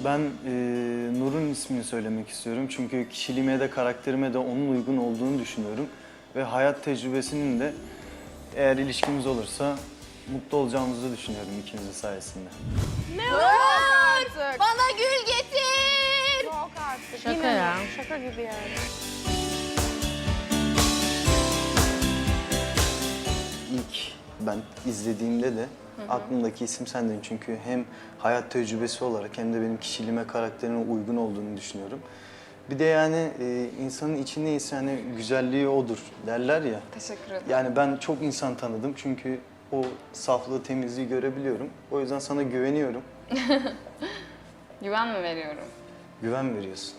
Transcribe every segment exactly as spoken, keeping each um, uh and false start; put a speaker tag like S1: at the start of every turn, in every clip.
S1: Ben e, Nur'un ismini söylemek istiyorum çünkü kişiliğime de karakterime de onun uygun olduğunu düşünüyorum. Ve hayat tecrübesinin de eğer ilişkimiz olursa mutlu olacağımızı düşünüyorum ikimizin sayesinde.
S2: Ne olur artık.
S3: Bana gül getir.
S2: Yok artık.
S4: Şaka
S2: Yine
S4: ya.
S2: mi? Şaka gibi yani.
S1: İlk ben izlediğimde de aklımdaki isim sendin çünkü hem hayat tecrübesi olarak hem de benim kişiliğime, karakterime uygun olduğunu düşünüyorum. Bir de yani e, insanın içi neyse hani güzelliği odur derler ya.
S2: Teşekkür ederim.
S1: Yani ben çok insan tanıdım çünkü o saflığı, temizliği görebiliyorum. O yüzden sana güveniyorum.
S2: Güven mi veriyorum?
S1: Güven veriyorsun.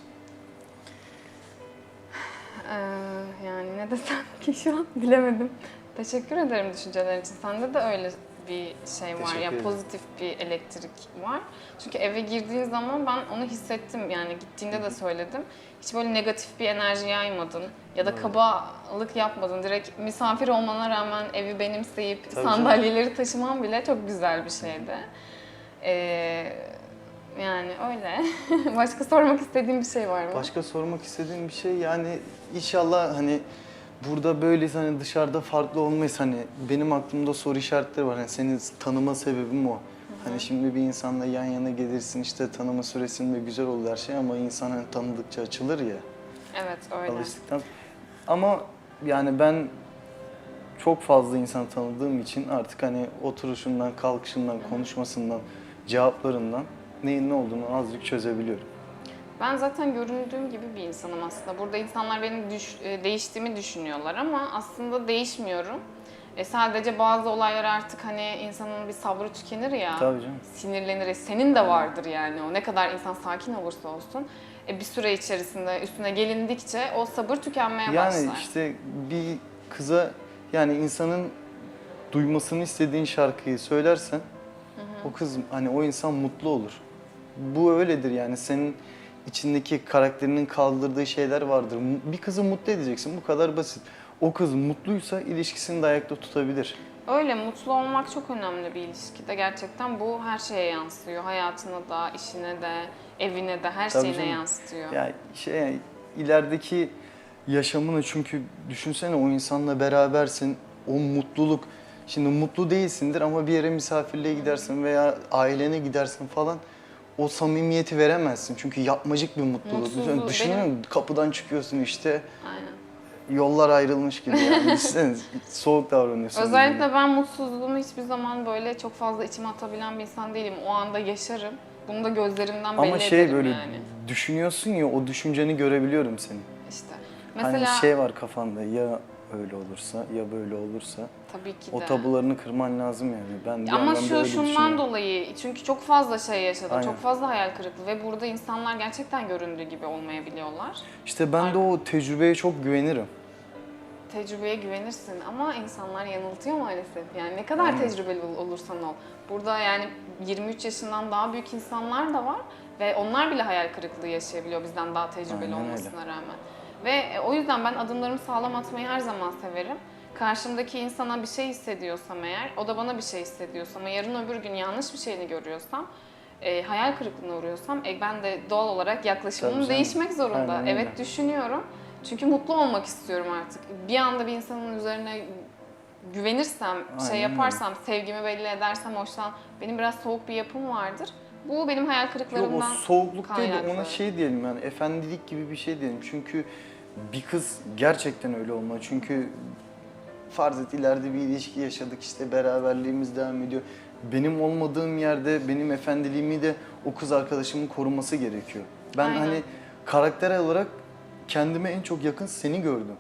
S2: Ee, yani ne desem ki şu an bilemedim. Teşekkür ederim düşüncelerin için. Sende de öyle bir şey var
S1: Teşekkür
S2: ya,
S1: ederim.
S2: pozitif bir elektrik var. Çünkü eve girdiğin zaman ben onu hissettim, yani gittiğinde de söyledim. Hiç böyle negatif bir enerji yaymadın ya da
S1: Evet.
S2: kabalık yapmadın. Direkt misafir olmana rağmen evi benimseyip
S1: Tabii
S2: sandalyeleri taşıman bile çok güzel bir şeydi. Ee, yani öyle. Başka sormak istediğin bir şey var mı?
S1: Başka sormak istediğim bir şey yani inşallah hani burada böyle hani dışarıda farklı olmayız hani benim aklımda soru işaretleri var. Hani seni tanıma sebebim o. Hani şimdi bir insanla yan yana gelirsin işte tanıma süresinde güzel olur her şey ama insan hani tanıdıkça açılır ya.
S2: Evet öyle.
S1: Alıştıktan. Ama yani ben çok fazla insan tanıdığım için artık hani oturuşundan, kalkışından, konuşmasından, cevaplarından neyin ne olduğunu azıcık çözebiliyorum.
S2: Ben zaten göründüğüm gibi bir insanım aslında. Burada insanlar benim düş, e, değiştiğimi düşünüyorlar ama aslında değişmiyorum. E, sadece bazı olaylar artık hani insanın bir sabrı tükenir ya,
S1: Tabii canım.
S2: sinirlenir. E, senin de vardır yani o. Ne kadar insan sakin olursa olsun. E, bir süre içerisinde üstüne gelindikçe o sabır tükenmeye
S1: Yani
S2: başlar.
S1: işte bir kıza yani insanın duymasını istediğin şarkıyı söylersen o kız hani o insan mutlu olur. Bu öyledir yani senin içindeki karakterinin kaldırdığı şeyler vardır. Bir kızı mutlu edeceksin bu kadar basit. O kız mutluysa ilişkisini de ayakta tutabilir.
S2: Öyle, mutlu olmak çok önemli bir ilişkide. Gerçekten bu her şeye yansıyor. Hayatına da, işine de, evine de, her
S1: Tabii
S2: şeyine
S1: canım.
S2: yansıtıyor.
S1: Yani şey yani ilerideki yaşamını çünkü düşünsene o insanla berabersin. O mutluluk şimdi mutlu değilsindir ama bir yere misafirliğe gidersin veya ailene gidersin falan. O samimiyeti veremezsin çünkü yapmacık bir mutluluk.
S2: Mutsuzluğu,
S1: Düşünsene
S2: benim-
S1: kapıdan çıkıyorsun işte
S2: Aynen.
S1: yollar ayrılmış gibi yani. Düşünsene soğuk davranıyorsun.
S2: Özellikle ben mutsuzluğumu hiçbir zaman böyle çok fazla içime atabilen bir insan değilim. O anda yaşarım. Bunu da gözlerimden belli
S1: Ama şey
S2: ederim
S1: böyle
S2: yani.
S1: düşünüyorsun ya o düşünceni görebiliyorum senin.
S2: İşte. Mesela
S1: Hani şey var kafanda ya öyle olursa ya böyle olursa
S2: tabii ki
S1: o
S2: de.
S1: tabularını kırman lazım yani. Ben bir
S2: Ama
S1: yandan da
S2: şu
S1: öyle
S2: şundan
S1: düşünüyorum.
S2: dolayı çünkü çok fazla şey yaşadım.
S1: Aynen.
S2: Çok fazla hayal kırıklığı ve burada insanlar gerçekten göründüğü gibi olmayabiliyorlar.
S1: İşte ben de o tecrübeye çok güvenirim.
S2: Tecrübeye güvenirsin ama insanlar yanıltıyor maalesef. Yani ne kadar
S1: Aynen.
S2: tecrübeli ol- olursan ol. Burada yani yirmi üç yaşından daha büyük insanlar da var ve onlar bile hayal kırıklığı yaşayabiliyor bizden daha tecrübeli
S1: Aynen öyle.
S2: olmasına rağmen. Ve e, o yüzden ben adımlarımı sağlam atmayı her zaman severim. Karşımdaki insana bir şey hissediyorsam eğer, o da bana bir şey hissediyorsa ama yarın öbür gün yanlış bir şeyini görüyorsam, e, hayal kırıklığına uğruyorsam e, ben de doğal olarak yaklaşımım
S1: Tabii canım.
S2: değişmek zorunda.
S1: Aynen öyle.
S2: Evet düşünüyorum. Çünkü mutlu olmak istiyorum artık. Bir anda bir insanın üzerine güvenirsem,
S1: Aynen
S2: şey yaparsam, sevgimi belli edersem hoşlan. Benim biraz soğuk bir yapım vardır. Bu benim hayal
S1: Yok o
S2: kırıklarımdan
S1: soğukluk değil de ona
S2: kaynaklı.
S1: şey diyelim yani efendilik gibi bir şey diyelim. Çünkü bir kız gerçekten öyle olmalı. Çünkü farz et ileride bir ilişki yaşadık işte beraberliğimiz devam ediyor. Benim olmadığım yerde benim efendiliğimi de o kız arkadaşımın koruması gerekiyor. Ben
S2: Aynen.
S1: hani karakter olarak kendime en çok yakın seni gördüm.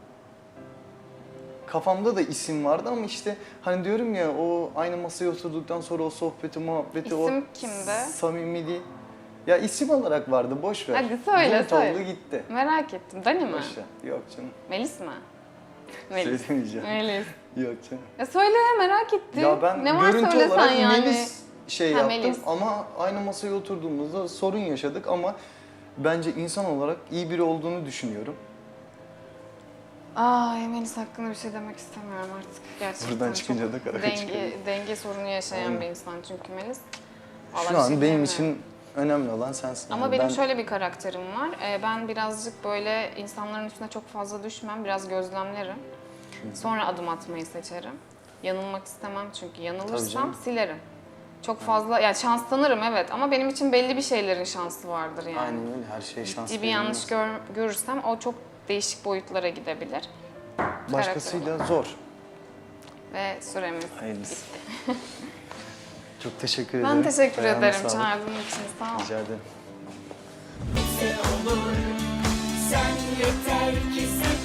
S1: Kafamda da isim vardı ama işte hani diyorum ya o aynı masaya oturduktan sonra o sohbeti muhabbeti o
S2: İsim kimde?
S1: samimiliği. Ya isim olarak vardı boş ver.
S2: Hadi söyle,
S1: Bulut
S2: söyle.
S1: oldu gitti.
S2: Merak ettim. Dani mi?
S1: Boş ver. Yok canım.
S2: Melis mi? Melis.
S1: Söylemeyeceğim.
S2: Melis.
S1: Yok canım.
S2: Ya söyle, merak ettim.
S1: Ya ben
S2: ne var
S1: görüntü
S2: söylesen
S1: olarak
S2: yani.
S1: Melis şey
S2: Ha,
S1: yaptım
S2: Melis.
S1: ama aynı masaya oturduğumuzda sorun yaşadık ama bence insan olarak iyi biri olduğunu düşünüyorum.
S2: Ay Melis hakkında bir şey demek istemiyorum artık. Gerçekten
S1: Buradan çıkınca
S2: çok
S1: da kara
S2: denge,
S1: çıkıyor.
S2: denge sorunu yaşayan
S1: Aynen.
S2: bir insan çünkü Melis. Vallahi
S1: Şu
S2: bir
S1: an
S2: şey
S1: benim
S2: diyemiyorum.
S1: için Önemli olan sensin.
S2: Ama
S1: Yani
S2: benim
S1: ben-
S2: şöyle bir karakterim var. Ee, ben birazcık böyle insanların üstüne çok fazla düşmem, biraz gözlemlerim. Sonra adım atmayı seçerim. Yanılmak istemem çünkü
S1: Tabii
S2: yanılırsam
S1: canım.
S2: silerim. Çok fazla, ya şans tanırım evet ama benim için belli bir şeylerin şansı vardır yani.
S1: Aynen öyle, her şey şans
S2: Ciddi bir yanlış
S1: verilmez.
S2: gör- görürsem o çok değişik boyutlara gidebilir.
S1: Başkasıyla zor.
S2: Ve süremiz
S1: Hayırlısı.
S2: bitti.
S1: Çok teşekkür ederim.
S2: Ben teşekkür
S1: Ayağına
S2: ederim
S1: sağlık.
S2: çağırdığın için. Sağ ol.
S1: Rica ederim.
S4: Sen yeter ki sen